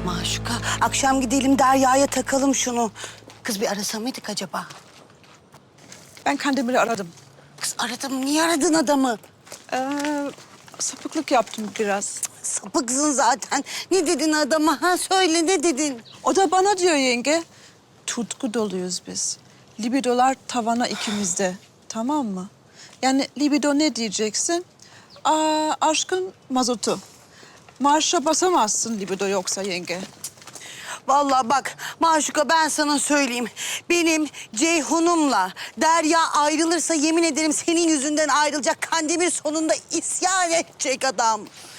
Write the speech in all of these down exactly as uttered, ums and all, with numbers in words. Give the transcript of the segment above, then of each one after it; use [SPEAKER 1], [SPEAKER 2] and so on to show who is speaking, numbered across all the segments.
[SPEAKER 1] Maşuka, akşam gidelim Derya'ya takalım şunu. Kız bir arasa mıydık acaba?
[SPEAKER 2] Ben Kandemir'i aradım.
[SPEAKER 1] Kız aradım, niye aradın adamı?
[SPEAKER 2] Ee, sapıklık yaptım biraz.
[SPEAKER 1] Sapıksın zaten. Ne dedin adama? Ha söyle, ne dedin?
[SPEAKER 2] O da bana diyor yenge. Tutku doluyuz biz. Libidolar tavana ikimizde. Tamam mı? Yani libido ne diyeceksin? Aa, aşkın mazotu. Marşa basamazsın libido yoksa yenge.
[SPEAKER 1] Vallahi bak Maşuka, ben sana söyleyeyim. Benim Ceyhun'umla Derya ayrılırsa yemin ederim senin yüzünden ayrılacak. Kandemir sonunda isyan edecek adam.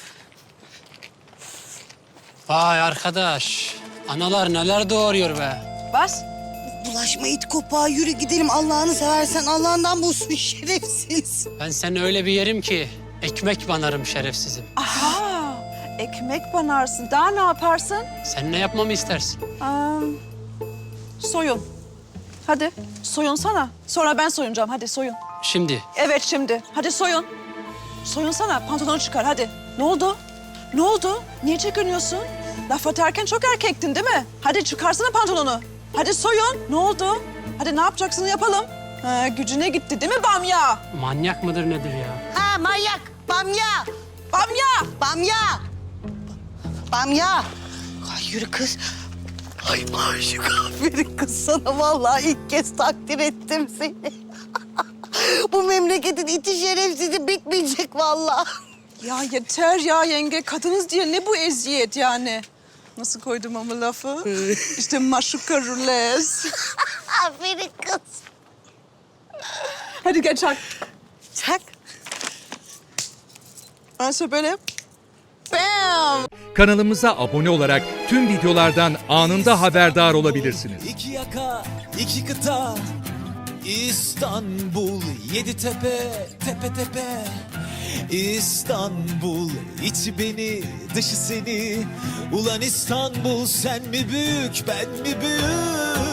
[SPEAKER 3] Vay arkadaş, analar neler doğuruyor be.
[SPEAKER 2] Bas.
[SPEAKER 1] Bulaşma it kopağa, yürü gidelim. Allah'ını seversen Allah'ından bulsun şerefsiz.
[SPEAKER 3] Ben seni öyle bir yerim ki ekmek banarım şerefsizim.
[SPEAKER 2] Aha, ekmek banarsın. Daha ne yaparsın?
[SPEAKER 3] Sen ne yapmamı istersin?
[SPEAKER 2] Aa, soyun. Hadi soyunsana. Sonra ben soyunacağım. Hadi soyun.
[SPEAKER 3] Şimdi
[SPEAKER 2] Evet şimdi. Hadi soyun. Soyunsana. Pantolonu çıkar hadi. Ne oldu? Ne oldu? Niye çekiniyorsun? Laf atarken çok erkektin değil mi? Hadi çıkarsana pantolonu. Hadi soyun. Ne oldu? Hadi ne yapacaksın yapalım. Ha, gücüne gitti değil mi Bamya?
[SPEAKER 3] manyak mıdır nedir ya?
[SPEAKER 1] Ha manyak, bamya,
[SPEAKER 2] Bamya!
[SPEAKER 1] bamya. Bamya. Ay yürü kız. Ay Maşuka, aferin kız sana. Vallahi ilk kez takdir ettim seni. Bu memleketin iti şerefsizi bitmeyecek vallahi.
[SPEAKER 2] Ya yeter ya yenge. Kadınız diye ne bu eziyet yani? Nasıl koydum ama lafı? İşte maşuka rulez.
[SPEAKER 1] Aferin kız.
[SPEAKER 2] Hadi gel çak.
[SPEAKER 1] Çak.
[SPEAKER 2] Ayşe böyle. Bam!
[SPEAKER 4] Kanalımıza abone olarak tüm videolardan anında haberdar olabilirsiniz.
[SPEAKER 5] İki yaka, iki kıta, İstanbul, yedi tepe, tepe tepe. İstanbul, içi beni, dışı seni. Ulan İstanbul, sen mi büyük, ben mi büyük?